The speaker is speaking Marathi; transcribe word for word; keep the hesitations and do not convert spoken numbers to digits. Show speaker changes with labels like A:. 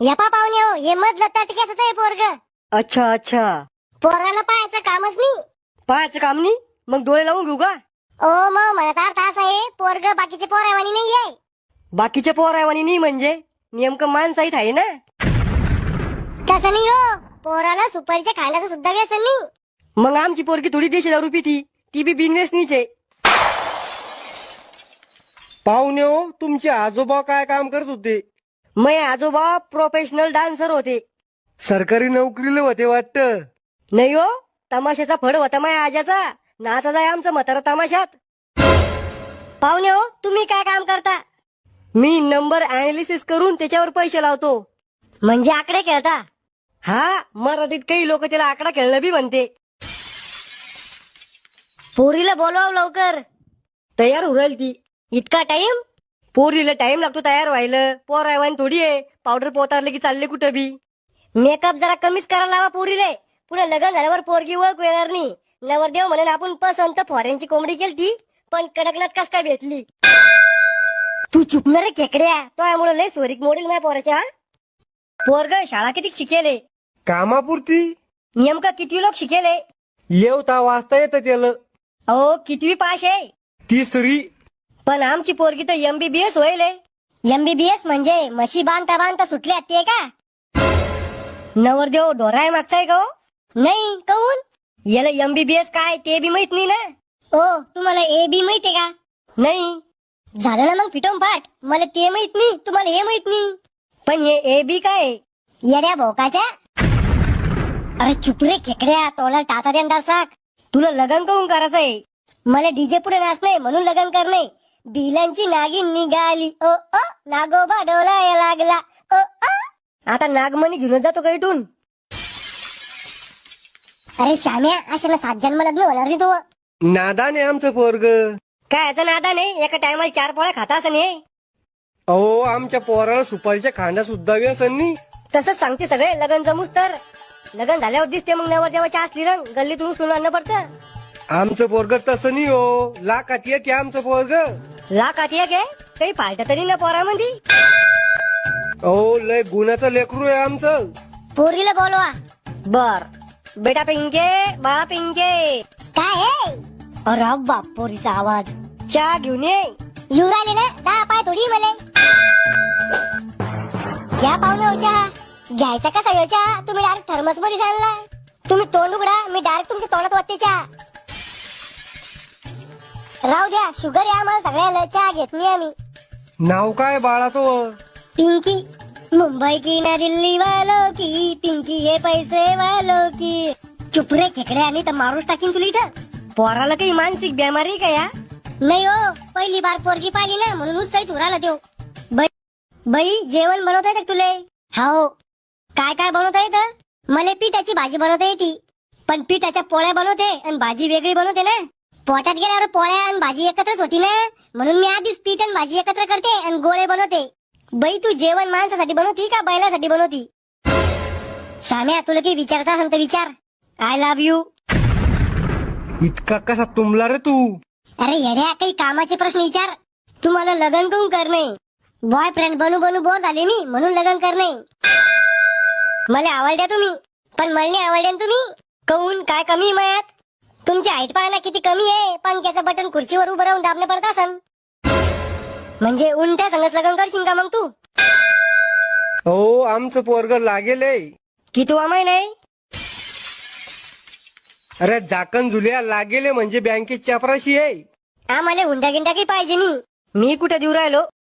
A: यपा पाहुणे हो, हे मधलं तटक्याच आहे पोरग.
B: अच्छा अच्छा.
A: पोराला पाहायचं कामच नाही.
B: पाहायचं काम नाही मग डोळे लावून घेऊ का?
A: ओ मग म्हणत अर्थ असा आहे, पोरग बाकीचे पोरावानी नाहीये.
B: बाकीच्या पोरावानी नाही म्हणजे नेमकं माणसाहीत आहे ना.
A: तसं नाही हो, पोराला सुपारीच्या खाण्याचं सुद्धा व्यसन नाही.
B: मग आमची पोरगी थोडी देशी दारू पिती, ती बी बिनव्यसनीच आहे.
C: पाहुणे हो, तुमचे आजोबा काय काम करत होते?
B: मै आजोबा प्रोफेशनल डान्सर होते.
C: सरकारी नोकरीला होते वाटतं.
B: नाही हो, तमाशाचा फड होता माझ्या आजाचा. नाचा जाय आमचं म्हातारा तमाशात. पाहुणे हो, तुम्ही काय काम करता? मी नंबर अनालिसिस करून त्याच्यावर पैसे लावतो.
A: म्हणजे आकडे खेळता?
B: हा, मराठीत काही लोक त्याला आकडा खेळणं बी म्हणते.
A: पोरीला बोलवाव लवकर.
B: तयार होईल ती.
A: इतका टाइम?
B: पोरीला टाइम लागतो तयार व्हायला. पोर रायवान थोडी आहे, पावडर पोतारले की चालले कुठं बी.
A: मेकअप जरा कमीच करायला लावा पोरीले. पुढे लग्न झाल्यावर पोरगी ओळख येणार नाही. नवरदेव म्हणेल आपण पसंत फॉरेनची कोंबडी केलती, पण कडकनाथ कस काय भेटली. तू चुकणार रे खेकड्या, तो यामुळे लय सोरीक मोडील नाही पोराच्या. पोरग शाळा किती शिकेले?
C: कामापुरती.
B: नेमकं किती लोक शिकेले?
C: येवता वाचता येतं त्याला.
B: अहो कितवी पास आहे?
C: तिसरी.
B: पण आमची पोरगी तर एमबीबीएस होईल.
A: एमबीबीएस म्हणजे म्हशी बांधता बांधता सुटले ते का?
B: नवरदेव डोराय मागचाय का हो?
A: नाही कहून?
B: याला एमबीबीएस काय ते बी माहित नाही ना.
A: ओ तुम्हाला ए बी माहितीये का?
B: नाही.
A: झालं ना मग फिटवून पाठ. मला ते माहित नाही, तुम्हाला हे माहित नाही.
B: पण हे ए बी काय आहे?
A: येड्या भोकाच्या. अरे चुप रे खेकड्या, तोला टाचा देणार साक.
B: तुला लग्न करून करायचंय?
A: मला डीजे पुढे नाचणे म्हणून लग्न करणे. बिलांची नागिन निघाली ओ ओ, नागोबा डोलाया लागला ओ ओ.
B: आता नागमणी घेऊन जातो का इथून?
A: अरे श्याम्या, अशाला सात जन्म लग्न होणार नाही तू.
C: नादाने आमचं पोरग.
B: काय याचा नादा नाही, एका टायमाला चार पोळ्या खाता असं नाही.
C: अहो, आमच्या पोराला सुपारीच्या खांदा सुद्धा व्यसन नाही.
B: तसंच सांगते सगळे. लग्न जमूस तर लग्न झाल्यावर दिसते मग नवरदेवाच्या असली रंग गल्लीतून उचलून आणणं पडतं.
C: आमचं पोरग तसं नाही हो, लाखात येते आमचं पोरग.
B: लाखात एक आहे, काही फालत तरी ना पोरामध्ये.
C: अहो, लय गुणाचं लेकरू आहे आमचं.
A: पोरीला बोलवा.
B: बर बेटा पिंके, बाळा पिंके.
A: काय आहे? अरे बाप, पोरीचा आवाज.
B: चहा घेऊन ये.
A: येऊ राहिले ना, दहा पाय थोडी मले. घ्या पाहुणे हो चहा. घ्यायचा कसा हो चहा? तुम्ही डायरेक्ट थर्मस मध्ये सांगला. तुम्ही तोंड उघडा, मी डायरेक्ट तुमच्या तोंडात वाटते चहा. राहू द्या, शुगर आहे आम्हाला सगळ्याला, चहा घेत नाही आम्ही.
C: नाव काय बाळा तो?
A: पिंकी. मुंबई की ना दिल्ली वालों की, पिंकी हे पैसे वालों की. चुप रे खेकडे, आणि तर मारूच टाकीन तुला इथं.
B: पोराला काही मानसिक बिमारी का या?
A: नाही हो, पहिली बार पोरगी पाहिली ना म्हणून उत्साहित उराला देऊ. बाई बाई, जेवण बनवता येतं तुले? हो. काय काय बनवता येतं? मला पिठाची भाजी बनवता येते. पण पिठाच्या पोळ्या बनवते आणि भाजी वेगळी बनवते ना. पोटात गेल्यावर पोळ्या आणि भाजी एकत्रच होती ना, म्हणून मी आधीच पीठ आणि भाजी एकत्र करते आणि गोळे बनवते. बाई, तू जेवण माणसासाठी बनवती का बैलासाठी बनवती? श्याम्या, तुला काही विचारता असेल तर विचार. I love you.
C: इतका कसा तुंबला रे तू?
A: अरे येड्या, काही कामाचे प्रश्न विचार. तुम्हाला लग्न करून करणे. बॉयफ्रेंड बनू बनू बोर झाले मी, म्हणून लग्न करणे. मला आवडल्या तुम्ही, पण मला नाही आवडल्या तुम्ही. कहून काय कमी आहे मयात? तुमची हाईट पाहायला किती कमी आहे. पंख्याचं बटन खुर्चीवर उभं राहून दाबलं पडत असन. म्हणजे उंट्या संगच लग्न करशील का मग तू?
C: हो, आमचं पोरग लागेल.
B: किती वामाय नाही?
C: अरे झाकण झुल्या लागेले म्हणजे बँकेत चपराशी आहे.
A: आम्हाला हुंडा गिंडा काही पाहिजे नाही.
B: मी कुठे देऊ राहिलो?